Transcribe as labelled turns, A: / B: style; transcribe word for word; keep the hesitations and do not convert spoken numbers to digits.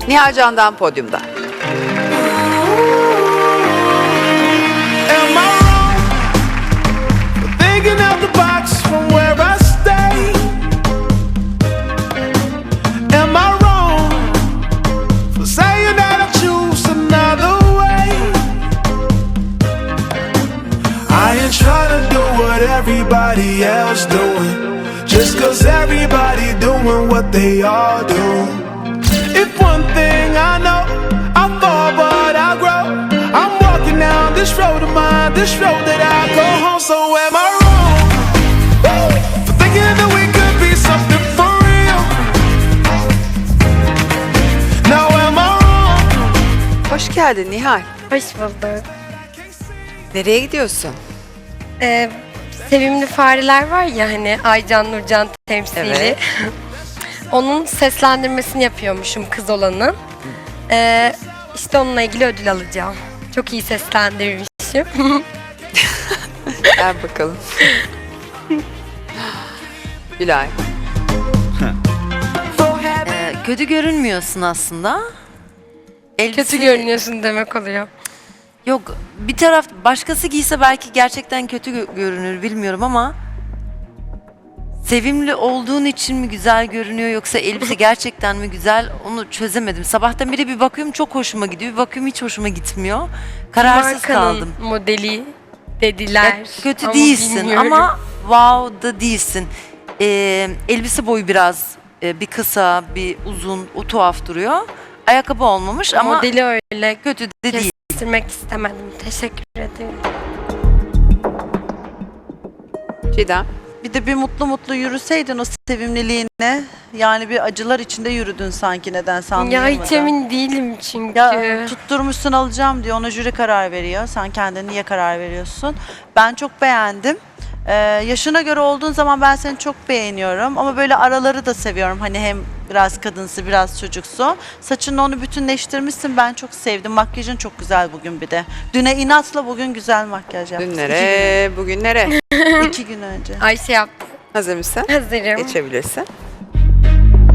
A: Nihal Can'dan podyumda.
B: Am I wrong for thinking out the box from where I stay? Am I wrong for saying that I choose another way? I ain't trying to do what everybody else doing, just cause everybody doing what they all do. If one thing I know, I fall but I grow. I'm walking down this road of mine, this road that I go home. So am I wrong woo, for thinking that we could be something for real? Now am I wrong?
A: Hoş geldin Nihal.
C: Hoş bulduk.
A: Nereye gidiyorsun?
C: Ee, sevimli fareler var ya hani Aycan Nurcan temsili.
A: Evet.
C: Onun seslendirmesini yapıyormuşum kız olanın. Ee, işte onunla ilgili ödül alacağım. Çok iyi seslendirmişim.
A: Gel bakalım. Gülay.
D: Ee, kötü görünmüyorsun aslında. Elbise...
C: Kötü görünüyorsun demek oluyor.
D: Yok, bir taraf başkası giyse belki gerçekten kötü gö- görünür bilmiyorum ama sevimli olduğun için mi güzel görünüyor yoksa elbise gerçekten mi güzel onu çözemedim. Sabahtan beri bir bakıyorum çok hoşuma gidiyor, bir bakıyorum hiç hoşuma gitmiyor. Kararsız
C: Markanın
D: kaldım.
C: modeli dediler.
D: Ya, kötü
C: ama
D: değilsin
C: bilmiyorum.
D: ama wow da değilsin. Ee, elbise boyu biraz e, bir kısa, bir uzun, o tuhaf duruyor. Ayakkabı olmamış ama
C: modeli öyle
D: kötü de değil.
C: kestirmek istemedim. Teşekkür ederim.
A: Çiğdem.
E: Bir de bir mutlu mutlu yürüseydin o sevimliliğine. Yani bir acılar içinde yürüdün sanki nedense
C: Ya
E: anlayamadım.
C: hiç emin değilim çünkü.
E: Ya tutturmuşsun alacağım diyor. Ona jüri karar veriyor. Sen kendin niye karar veriyorsun? Ben çok beğendim. Ee, yaşına göre olduğun zaman ben seni çok beğeniyorum. Ama böyle araları da seviyorum. Hani hem biraz kadınsı biraz çocuksu. Saçınla onu bütünleştirmişsin. Ben çok sevdim. Makyajın çok güzel bugün bir de. Düne inatla bugün güzel makyaj yaptın.
A: Dünlere, bugünlere.
E: İki gün, iki gün önce.
C: Ayşe yaptı.
A: Hazır mısın?
C: Hazırım.
A: Geçebilirsin.